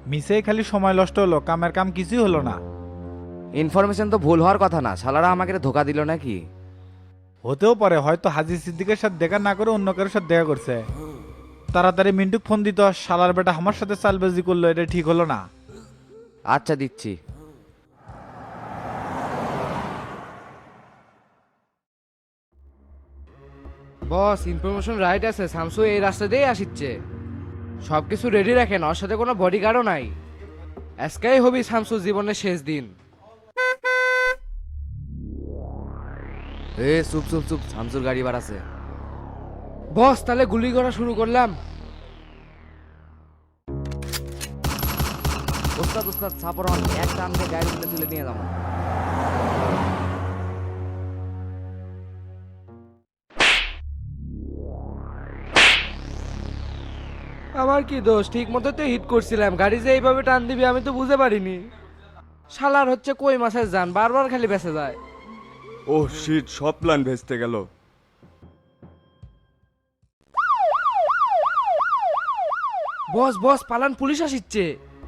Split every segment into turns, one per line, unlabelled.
মিসেই খালি সময় নষ্ট হলো, কামের কাম কিছুই হলো না।
ইনফরমেশন তো ভুল হওয়ার কথা না, শালারা আমাকে ধোকা দিল নাকি?
হতেও পারে, হয়তো হাজি সিদ্দিকের সাথে দেখা না করে অন্য কারোর সাথে দেখা করছে। তাড়াতাড়ি মিন্টুক ফোন দিত, শালার বেটা আমার সাথে চালবাজি করলো, এটা ঠিক হলো না।
আচ্ছা দিচ্ছি।
বস, ইনফরমেশন রাইট আছে, শামসু এই রাস্তা দিয়েই আসিচ্ছে। সব কিছু রেডি রাখেন, ওর সাথে কোনো বডিগার্ডও নাই। আজকেই হবি শামসুর জীবনের শেষ দিন।
এ চুপ চুপ চুপ, শামসুর গাড়ি বাড়াছে।
বস, তাহলে গুলি করা শুরু করলাম।
ওস্তাদ ওস্তাদ সাপর হন, এক টান দিয়ে গাড়ি তুলে নিয়ে যাবো।
আমার কি দোষ? ঠিক মতো তো হিট করছিলাম, গাড়ি যে এইভাবে টান দিবি আমি তো বুঝতে পারিনি। শালার হচ্ছে কই মাছের জান, বারবার খালি বেঁচে যায়।
ও শিট, সব প্ল্যান ভেস্তে গেল।
বস বস, পালান, পুলিশ আসিচ্ছে।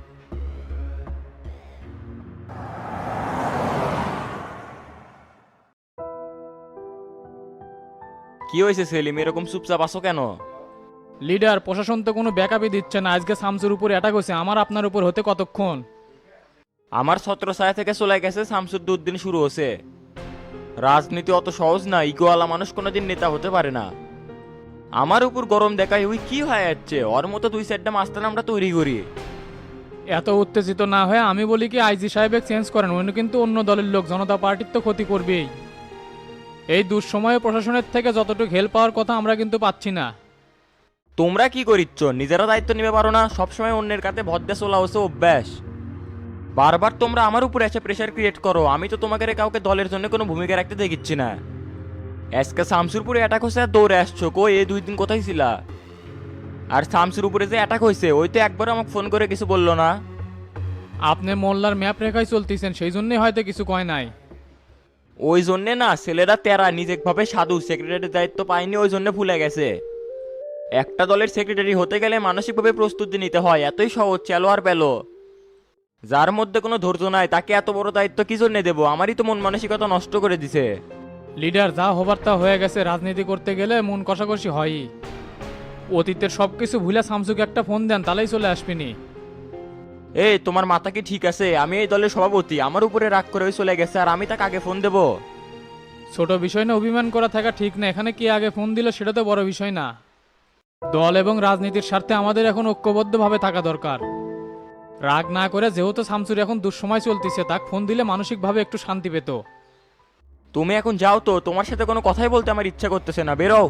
কি হয়েছে সেলিম, এরকম চুপচাপ আছো কেন?
লিডার, প্রশাসন তো কোনো ব্যাকআপই দিচ্ছে না। আজকে শামসুর উপর অ্যাটাক হয়েছে, আমার আপনার উপর হতে কতক্ষণ?
আমার ছত্রছায়া থেকে চলে গেছে, শামসুর দুর্দিন শুরু হচ্ছে। রাজনীতি অত সহজ না, ইগোয়ালা মানুষ কোনোদিন নেতা হতে পারে না। আমার উপর গরম দেখায় ওই কি হয়ে যাচ্ছে, ওর মতো দুই চারটা মাস্টার আমরা তৈরি করি।
এত উত্তেজিত না হয়ে আমি বলি কি আইজি সাহেবের চেঞ্জ করেন, উনি কিন্তু অন্য দলের লোক, জনতা পার্টির তো ক্ষতি করবেই। এই দুঃসময়ে প্রশাসনের থেকে যতটুকু হেল্প পাওয়ার কথা আমরা কিন্তু পাচ্ছি না।
তোমরা কি করিচ্ছ, নিজেরা দায়িত্ব নিতে পারো না? সবসময় অন্যের কাছে ভদ্দে চলা হচ্ছে অভ্যাস। বারবার তোমরা আমার উপর এসে প্রেশার ক্রিয়েট করো, আমি তো তোমাকে কাউকে দলের জন্য কোনো ভূমিকা রাখতে দেখিচ্ছি না। আজকে শামসুর উপরে অ্যাটাক হয়েছে আর দৌড়ে আসছো, কই এই 2 দিন কোথায় ছিলা? আর শামসুর উপরে যে অ্যাটাক হয়েছে ওই তো একবার আমাকে ফোন করে কিছু বললো না।
আপনি মোল্লার ম্যাপ রেখায় চলতেছেন, সেই জন্যই হয়তো কিছু কয় নাই।
ওই জন্যে না, ছেলেরা তেরা নিজেভাবে সাধু, সেক্রেটারির দায়িত্ব পায়নি ওই জন্য ভুলে গেছে। একটা দলের সেক্রেটারি হতে গেলে মানসিকভাবে প্রস্তুতি নিতে হয়, এতই সহজ চেলো আর পেলো। যার মধ্যে কোনো ধৈর্য নাই তাকে এত বড় দায়িত্ব কি জন্য দেবো? আমারই তো মন মানসিকতা নষ্ট করে দিছে।
লিডার, যা হবার তা হয়ে গেছে, রাজনীতি করতে গেলে মন কষাকষি হয়ই। অতীতের সব কিছু ভুলে শামসুকে একটা ফোন দেন, তাহলেই চলে আসবিনি।
এই তোমার মাথা কি ঠিক আছে? আমি এই দলের সভাপতি, আমার উপরে রাগ করে ওই চলে গেছে আর আমি তাকে আগে ফোন দেবো?
ছোট বিষয় না অভিমান করা থাকা ঠিক না, এখানে কে আগে ফোন দিল সেটা তো বড় বিষয় না। দল এবং রাজনীতির স্বার্থে আমাদের এখন ঐক্যবদ্ধভাবে থাকা দরকার। রাগ না করে, যেহেতু শামসুর এখন দুঃসময় চলতেছে, তাকে ফোন দিলে মানসিকভাবে একটু শান্তি পেত।
তুমি এখন যাও তো, তোমার সাথে কোনো কথাই বলতে আমার ইচ্ছা করতেছে না, বেরো।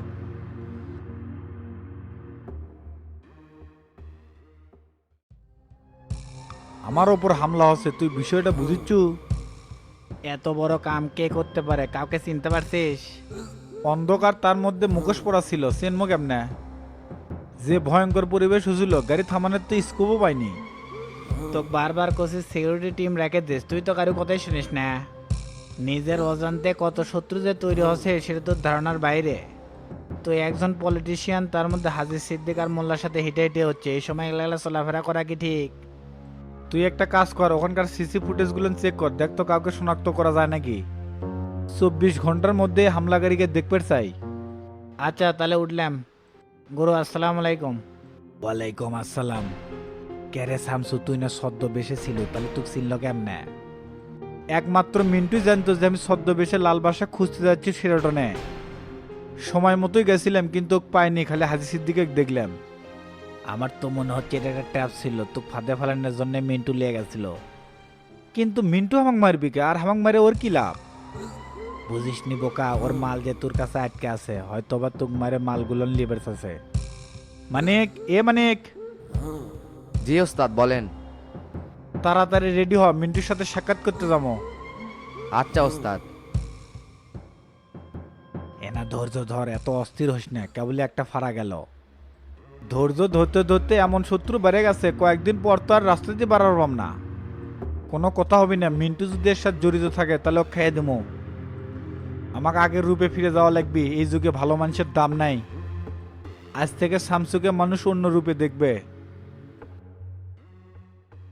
আমার ওপর হামলা হচ্ছে, তুই বিষয়টা বুঝিচ্ছু?
এত বড় কাম কে করতে পারে, কাউকে চিনতে পারছিস?
অন্ধকার, তার মধ্যে মুখোশ পড়া ছিল, চেনমো কেমনে? যে ভয়ঙ্কর পরিবেশ হয়েছিল, গাড়ি থামানোর তো স্কোপও পাইনি।
তো বারবার কোচিস সিকিউরিটি টিম রেখে দিস, তুই তো কারো কথাই শুনিস না। নিজের অজান্তে কত শত্রু যে তৈরি হচ্ছে সেটা তোর ধারণার বাইরে। তুই একজন পলিটিশিয়ান, তার মধ্যে হাজির সিদ্দিক আর মোল্লার সাথে হিটে হিটে হচ্ছে, এই সময় এগুলা চলাফেরা করা কি ঠিক?
তুই একটা কাজ কর, ওখানকার সিসি ফুটেজগুলো চেক কর, দেখ তো কাউকে শনাক্ত করা যায় নাকি। 24 ঘন্টার মধ্যে হামলাকারীকে দেখতে চাই।
আচ্ছা তাহলে উঠলাম। গুরু, আসসালামু আলাইকুম।
ওয়ালাইকুম আসসালাম। ক্যারে শামসু, তুই না ছদ্মবেশে ছিল, তাহলে তুই চিনল কেমনে? একমাত্র মিন্টুই জানতো যে আমি ছদ্মবেশে লাল বাসা খুঁজতে যাচ্ছি সেরাটনে। সময় মতোই গেছিলাম কিন্তু ওকে পাইনি, খালি হাজি সিদ্দিকে দেখলাম।
আমার তো মনে হচ্ছে এটা একটা ট্র্যাপ ছিল, তো ফাঁদে ফেলানোর জন্য মিন্টু লিয়ে গেছিল।
কিন্তু মিন্টু হামাক মারবি কে? আর হামাক মারে ওর কি লাভ?
বুঝিস নি বোকা, ওর মাল যে তোর কাছে আটকে আছে, হয়তো বা তোর মারে মালগুলো লিবার আছে।
মানিক, এ মানিক,
জি ওস্তাদ বলেন।
তাড়াতাড়ি রেডি হ, মিন্টুর সাথে সাক্ষাৎ করতে যাবো।
আচ্ছা ওস্তাদ।
এনা ধৈর্য ধর, এত অস্থির হোস না, কেবলই একটা ফাড়া গেল। ধৈর্য ধরতে ধরতে এমন শত্রু বেড়ে গেছে, কয়েকদিন পর তো আর রাস্তাতে বাড়াবাম না। কোনো কথা হবে না, মিন্টু যদি এর সাথে জড়িত থাকে তাহলে ও খেয়ে দেবো। আমাকে আগের রূপে ফিরে যাওয়া লাগবে, এই যুগে ভালো মানুষের দাম নাই। আজ থেকে শামসুকে মানুষ অন্য রূপে দেখবে।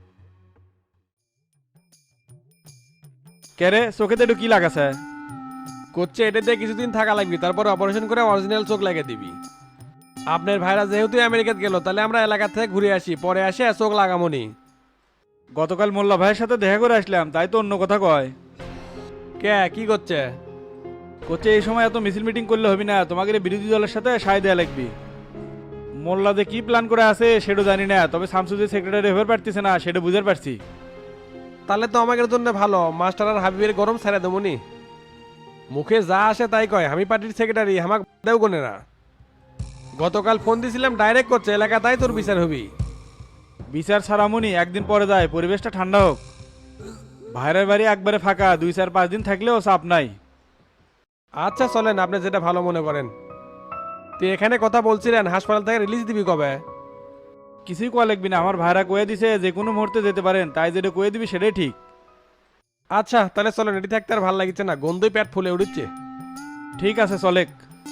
কেরে চোখেতে একটু কি লাগাছে?
করছে এটাতে কিছুদিন থাকা লাগবে, তারপর অপারেশন করে অরিজিনাল চোখ লাগিয়ে দিবি। আপনার ভাইরা যেহেতু আমেরিকাতে গেল, তাহলে আমরা এলাকা থেকে ঘুরে আসি, পরে আসে চোখ লাগামনি।
গতকাল মোল্লা ভাইয়ের সাথে দেখা করে আসলাম, তাই তো অন্য কথা কয়।
কে কি করছে?
করছে এই সময় এত মিছিল মিটিং করলে হবি না, তোমাকে বিরোধী দলের সাথে সায় দেয়া লাগবি। মোল্লাদে কি প্ল্যান করে আছে সেটা জানি না, তবে শামসুদ্দি সেক্রেটারি হয়ে পারতেছে না সেটা বুঝতে পারছি।
তাহলে তো আমাদের জন্য ভালো, মাস্টার আর হাবিবের গরম ছেড়ে দেবনি। মুখে যা আসে তাই কয়, আমি পার্টির সেক্রেটারি, আমাকে দেও কোনে না। গতকাল ফোন দিছিলাম, ডাইরেক্ট করছে এলাকা, তাই তোর বিচার হবি।
বিচার ছাড়ামুনি একদিন পরে যায়, পরিবেশটা ঠান্ডা হোক। ভাইয়ের বাড়ি একবারে ফাঁকা, 2-4-5 দিন থাকলেও চাপ নাই।
আচ্ছা চলেন, আপনি যেটা ভালো মনে করেন। তো এখানে কথা বলছিলেন, হাসপাতাল থেকে রিলিজ দিবি কবে?
কিছুই কোয়া লাগবি না, আমার ভাইরা কয়ে দিছে যে কোনো মুহূর্তে যেতে পারেন, তাই যেটা কয়ে দিবি সেটাই ঠিক।
আচ্ছা তাহলে চলেন, এটি থাকতে আর ভালো লাগছে না, গন্ধই পেট ফুলে উঠছে।
ঠিক আছে চলেক।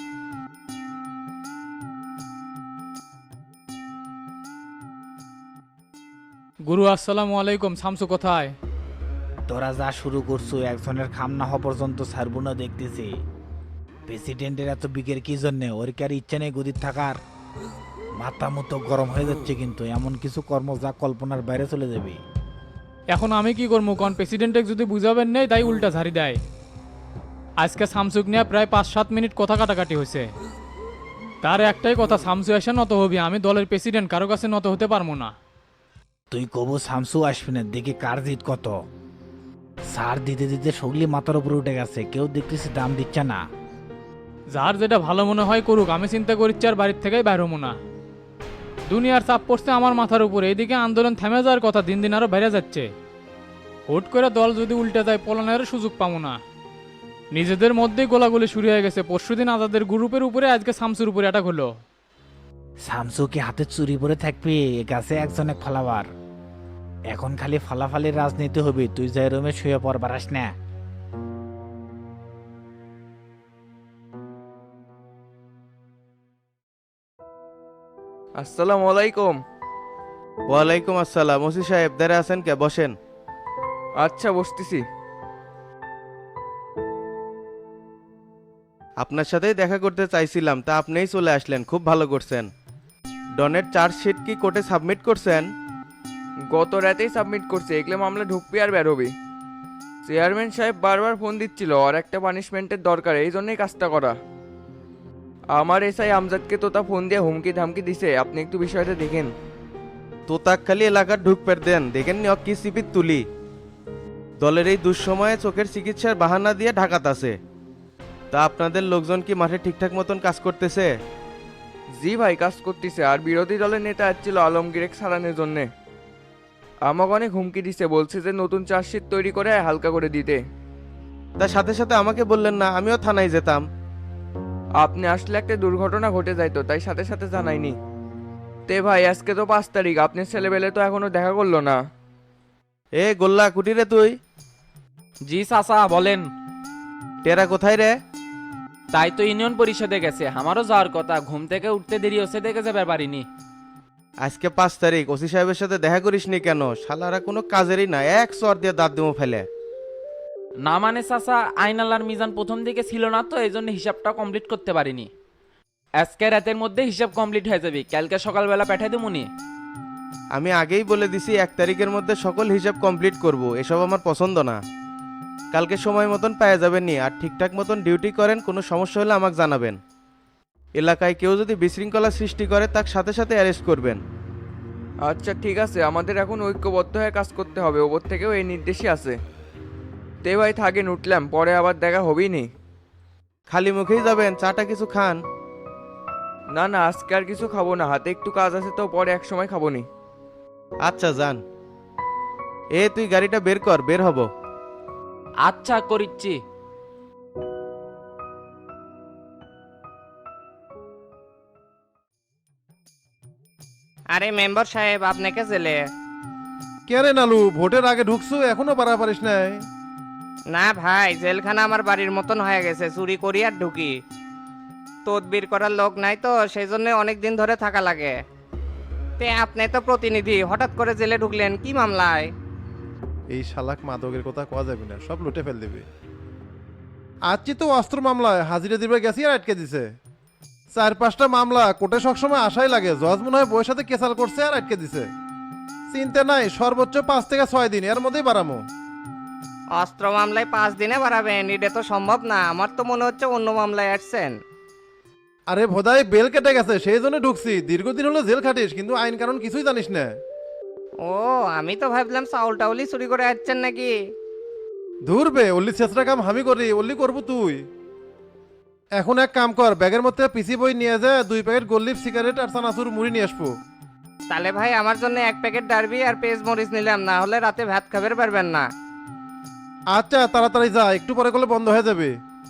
গুরু আসসালামু আলাইকুম। শামসু কোথায়?
তোরা যা শুরু করছো, একজনের খাম না হওয়া পর্যন্ত ছাড়বো না দেখতেছি। প্রেসিডেন্টের এত বিকের কি জন্যে? ওর কি আর ইচ্ছে নেই গদির থাকার? মাথা মতো গরম হয়ে যাচ্ছে কিন্তু, এমন কিছু কর্ম যা কল্পনার বাইরে চলে যাবে।
এখন আমি কি করবো কোন? প্রেসিডেন্টে যদি বুঝাবেন নেই তাই উল্টা ঝাড়ি দেয়। আজকে শামসুক নিয়ে প্রায় 5-7 মিনিট কথা কাটাকাটি হয়েছে। তার একটাই কথা, শামসু এসে নত হবি, আমি দলের প্রেসিডেন্ট, কারো কাছে নত হতে পারবো না।
তুই কবু শামসু আসবি না, দেখি কার জিত কত। সার দিতে দিতে সগলি মাথার উপরে উঠে গেছে, কেউ দেখতেছি দাম দিচ্ছে না।
যার যেটা ভালো মনে হয় করুক, আমি চিন্তা করছি আর বাড়ির থেকেই বাইর হবো না। দুনিয়ার চাপ পড়ছে আমার মাথার উপরে, এদিকে আন্দোলন থেমে যাওয়ার কথা দিন দিন আরো বেড়ে যাচ্ছে। হুট করে দল যদি উল্টে যায়, পলানের সুযোগ পাবো না। নিজেদের মধ্যেই গোলাগুলি শুরু হয়ে গেছে। পরশুদিন আজাদের গ্রুপের উপরে, আজকে শামসুর উপরে অ্যাটাক হলো।
শামসু কি হাতে চুরি পরে থাকবি? এ গাছে একজন এক ফালাবার। এখন খালি ফালাফালির রাজনীতি হবে, তুই যাই রুমে শুয়ে পর বারাস না।
আসসালামু আলাইকুম।
ওয়ালাইকুম আসসালাম। ওসি সাহেব দাঁড়া আছেন কে? বসেন।
আচ্ছা বসতেছি।
আপনার সাথেই দেখা করতে চাইছিলাম, তা আপনিই চলে আসলেন, খুব ভালো করছেন। ডনের চার্জশিট কি কোর্টে সাবমিট করছেন?
গত রাতেই সাবমিট করছে, এগুলো মামলা ঢুকবি আর বের হবি। চেয়ারম্যান সাহেব বারবার ফোন দিচ্ছিল, আর একটা পানিশমেন্টের দরকার, এই জন্যই কাজটা করা। আমার এসআই আমজাদকে তো তা ফোন দিয়ে হুমকি ধামকি দিছে, আপনি একটু বিষয়টা দেখেন।
তোতাক খালি এলাকার ঢুকপের দেন, দেখেন নি কি সিপির তুলি। দলের এই দুঃসময়ে চোখের চিকিৎসার বাহানা দিয়ে ঢাকাত আছে। তা আপনাদের লোকজন কি মাঠে ঠিকঠাক মতন কাজ করতেছে?
জি ভাই, কাজ করতেছে। আর বিরোধী দলের নেতা আসছিল আলমগীরেক সারানোর জন্যে, আমাকে অনেক হুমকি দিছে, বলছে যে নতুন চার্জশিট তৈরি করে হালকা করে দিতে।
তার সাথে সাথে আমাকে বললেন না, আমিও থানায় যেতাম।
আপনি আসলে একটা দুর্ঘটনা ঘটে যাইতো, তাই সাথে সাথে জানাইনি। তে ভাই, আজকে তো 5 তারিখ, আপনার ছেলেবেলে তো এখনো দেখা করলো না।
এ গোল্লা কুটিরে তুই?
জি চাচা বলেন।
টেরা কোথায় রে?
তাই তো ইউনিয়ন পরিষদে গেছে, আমারও যাওয়ার কথা, ঘুম থেকে উঠতে দেরি হচ্ছে দেখে যাবে পারিনি।
আজকে 5 তারিখ, ওসি সাহেবের সাথে দেখা করিসনি কেন? শালারা কোনো কাজেরই না, এক চর দিয়ে দাঁত দিমো ফেলে।
না মানে চাচা, আইনালার মিজান প্রথম দিকে ছিল না তো, এই জন্য হিসাবটা কমপ্লিট করতে পারিনি। আজকে রাতের মধ্যে হিসাব কমপ্লিট হয়ে যাবে, কালকে সকালবেলা পাঠিয়ে দেবনি।
আমি আগেই বলে দিছি 1 তারিখের মধ্যে সকল হিসাব কমপ্লিট করব, এসব আমার পছন্দ না। কালকে সময় মতন পেয়ে যাবেন নি, আর ঠিকঠাক মতন ডিউটি করেন, কোনো সমস্যা হলে আমাকে জানাবেন। এলাকায় কেউ যদি বিশৃঙ্খলা সৃষ্টি করে তার সাথে সাথে অ্যারেস্ট করবেন।
আচ্ছা ঠিক আছে, আমাদের এখন ঐক্যবদ্ধ হয়ে কাজ করতে হবে, ওপর থেকেও এই নির্দেশই আছে। তে ভাই থাকেন, উঠলাম, পরে আবার দেখা হবেই নি।
খালি মুখেই যাবেন? চাটা কিছু খান।
না না, আজকে আর কিছু খাবো না, হাতে একটু কাজ আছে তো, পরে এক সময় খাবো নি।
আচ্ছা যান। এ তুই গাড়িটা বের কর, বের হব।
আচ্ছা করিচ্ছি।
আরে মেম্বার সাহেব, আপনাকে জেলে।
কে রে নালু, ভোটের আগে ঢুকছো, এখনো পারা পারিস নাই?
না ভাই, জেলখানা আমার বাড়ির মতন হয়ে গেছে, চুরি করি আর ঢুকি। তদবির করার লোক নাই তো, সেই জন্য অনেক দিন ধরে থাকা লাগে। তে আপনি তো প্রতিনিধি, হঠাৎ করে জেলে ঢুকলেন কি মামলায়?
এই শালাক মাদকের কথা কোয়া যাবে না, সব লুটে ফেল দিবে। আজকে তো অস্ত্র মামলায় হাজিরা দিবে গেছি আর আটকে দিছে। 4-5টা মামলা কোর্টে সবসময় আশাই লাগে, জজ মনে হয় বইয়ের সাথে কেসাল করছে আর আটকে দিছে। চিন্তা নাই, সর্বোচ্চ 5 থেকে 6 দিন এর মধ্যেই বাড়ামো।
অস্ত্র মামলায় 5 দিনে বাড়াবেন? এটা তো সম্ভব না, আমার তো মনে হচ্ছে অন্য মামলায় আসছেন।
আরে ভোদাই বেল কেটে গেছে সেই জন্য ঢুকছি। দীর্ঘদিন হলো জেল খাটিস কিন্তু আইন কানুন কিছুই জানিস না।
ও, আমি তো ভাবলাম চাউল টাউলি চুরি করে আসছেন নাকি।
ধুরবে, অল্লি ছেঁচড়া কাম আমি করি, অল্লি করবো তুই। এখন এক কাম কর, ব্যাগের মধ্যে পিসি বই নিয়ে যা, 2 প্যাকেট গোল্লিপ সিগারেট আর চানাচুর মুড়ি নিয়ে আসবো।
তাহলে ভাই আমার জন্য 1 প্যাকেট ডারবি আর পেজ মরিচ নিলাম, না হলে রাতে ভাত খাবার পারবেন না।
আচ্ছা তাড়াতাড়ি যা, একটু পরে করলে বন্ধ হয়ে যাবে।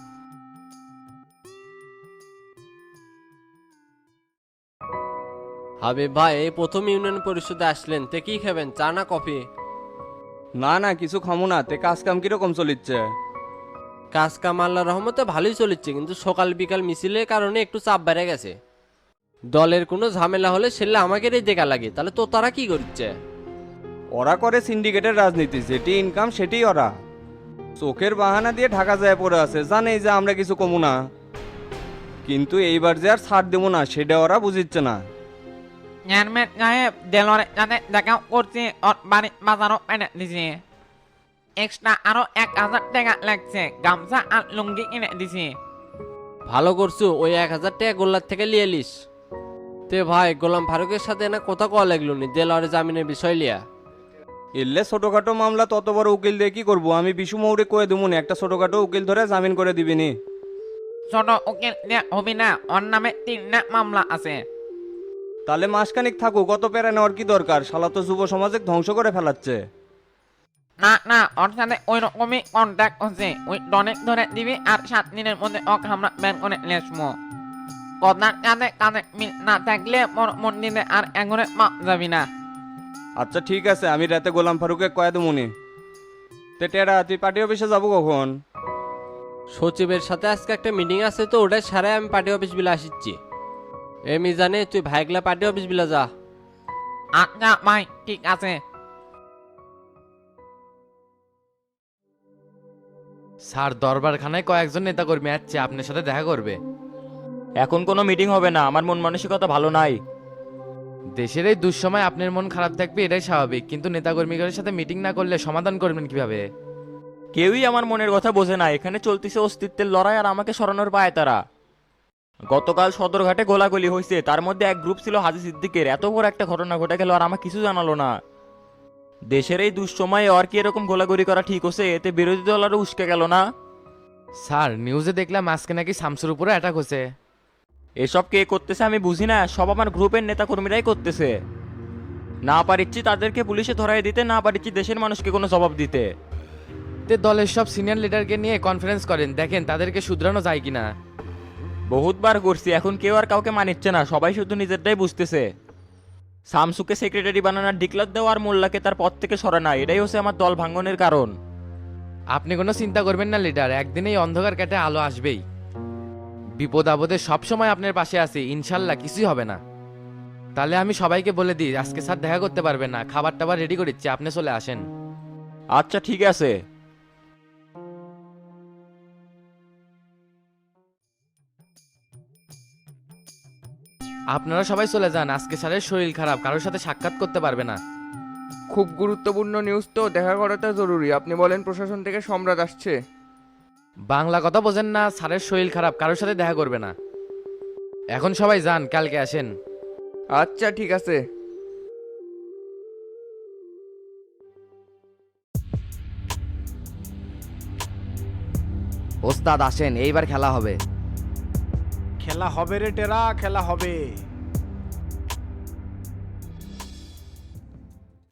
হাবিব ভাই, এই প্রথম ইউনিয়ন পরিষদে আসলেন, তে কি খাবেন, চা না কফি?
না না, কিছু খামো না। তে কাজ কাম কিরকম চলিচ্ছে?
কাজ কাম আল্লাহর রহমতে ভালোই চলেছে, কিন্তু সকাল বিকাল মিছিলের কারণে একটু চাপ বেড়ে গেছে। দলের কোনো ঝামেলা হলে সেলে আমাকেই দেখা লাগে। তাহলে তো তারা কি করছে?
ওরা করে সিন্ডিকেটের রাজনীতি, যেটি ইনকাম সেটি ওরা চোখের বাহানা দিয়ে ঢাকা যায় পড়ে আছে, জানেই যে আমরা কিছু কমু না। কিন্তু এইবার যে আর ছাড় দেবো না সেটা ওরা বুঝিচ্ছে না।
চেয়ারম্যান সাহেব, দেলোয়ারের সাথে দেখা করছি, ওর বাড়ি বাজারও এনে দিছি। এক্সট্রা আরো 1000 টাকা লাগছে, গামছা আর লুঙ্গি কিনে দিছি।
ভালো করছো, ওই 1000 টাকা গোল্লার থেকে লিয়ে লিস। তে ভাই, গোলাম ফারুকের সাথে না কথা কওয়া লাগলো নি দেলোয়ারের জামিনের বিষয় লিয়া?
এলে ছোটখাটো মামলা তত বড় উকিল দিয়ে কি করবো? আমি বিশু মৌরে কয়ে দেবো না, একটা ছোটখাটো উকিল ধরে জামিন করে দিবিনি।
ছোট উকিল দিয়ে হবে না, ওর নামে 3টা মামলা আছে।
তাহলে মাসখানিক থাকো, কত পেরে নেওয়ার কি দরকার? শালা তো যুব সমাজে ধ্বংস করে ফেলাচ্ছে।
না না, ওর সাথে ওই রকমই কন্ট্যাক্ট হচ্ছে। ওই ডনেক ধরে দিবি আর 7 দিনের মধ্যে ওকে আমরা ব্যান করে লেসমো। কথার সাথে কানে মিল না থাকলে মন্দিরে আর এগোরে মা যাবি না।
আচ্ছা ঠিক আছে, আমি রাতে গোলাম ফারুকে কয়ে দেবো নি। তে টেরা, তুই পার্টি অফিসে যাবো কখন?
সচিবের সাথে আজকে একটা মিটিং আছে, তো ওটাই সারাই আমি পার্টি অফিস বিলা আসিচ্ছি। এমনি জানে তুই ভাইগলা পার্টি অফিস বিলা যা।
আচ্ছা ভাই, ঠিক আছে।
স্যার, দরবারখানায় কয়েকজন নেতাকর্মী আসছে, আপনার সাথে দেখা করবে।
এখন কোনো মিটিং হবে না, আমার মন মানসিকতা ভালো নাই।
দেশের এই দুঃসময় আপনার মন খারাপ থাকবে, এটাই স্বাভাবিক, কিন্তু নেতাকর্মীদের সাথে মিটিং না করলে সমাধান করবেন কিভাবে?
কেউই আমার মনের কথা বোঝে না। এখানে চলতেছে অস্তিত্বের লড়াই আর আমাকে সরানোর পায় তারা। গতকাল সদরঘাটে গোলাগুলি হয়েছে, তার মধ্যে এক গ্রুপ ছিল হাজি সিদ্দিকের। এত বড় একটা ঘটনা ঘটে গেল আর আমাকে কিছু জানালো না। দেশের এই দুঃসময়ে আর কি এরকম গোলাগুলি করা ঠিক হচ্ছে? এতে বিরোধী দল আরও উস্কে গেল না?
স্যার, নিউজে দেখলাম আজকে নাকি শামসুর উপরে অ্যাটাক হচ্ছে।
এসব কে করতেছে আমি বুঝি না, সব আমার গ্রুপের নেতাকর্মীরাই করতেছে। না পারিচ্ছি তাদেরকে পুলিশে ধরাই দিতে, না পারিচ্ছি দেশের মানুষকে কোনো জবাব দিতে।
তে দলের সব সিনিয়র লিডারকে নিয়ে কনফারেন্স করেন, দেখেন তাদেরকে শুধরানো যায় কিনা।
বহুতবার করছি, এখন কেউ আর কাউকে মানিচ্ছে না, সবাই শুধু নিজেরটাই বুঝতেছে। শামসুকে সেক্রেটারি বানানোর ডিক্লার দেওয়া আর মোল্লাকে তার পদ থেকে সরানো, এটাই হচ্ছে আমার দল ভাঙ্গনের কারণ।
আপনি কোনো চিন্তা করবেন না লিডার, একদিন এই অন্ধকার কেটে আলো আসবেই। বিপদ আপদে সবসময় আপনার পাশে আছি, ইনশাল্লাহ কিছুই হবে না। তাহলে আমি সবাইকে বলে দিই, আজকে স্যার দেখা করতে পারবেন না, খাবার টাবার রেডি করে দিচ্ছি, আপনি চলে আসেন।
আচ্ছা ঠিক আছে।
আপনারা সবাই চলে যান, আজকে স্যারের শরীর খারাপ, কারোর সাথে সাক্ষাৎ করতে পারবে না।
খুব গুরুত্বপূর্ণ নিউজ তো, দেখা করাটা জরুরি। আপনি বলেন প্রশাসন থেকে সম্রাট আসছে।
বাংলা কথা বোঝেন না? স্যারের শরীর খারাপ, কারোর সাথে দেখা করবে না। এখন সবাই যান, কালকে আসেন।
আচ্ছা ঠিক আছে।
ওস্তাদ আসেন, এইবার খেলা হবে।
খেলা হবে রে টেরা, খেলা হবে।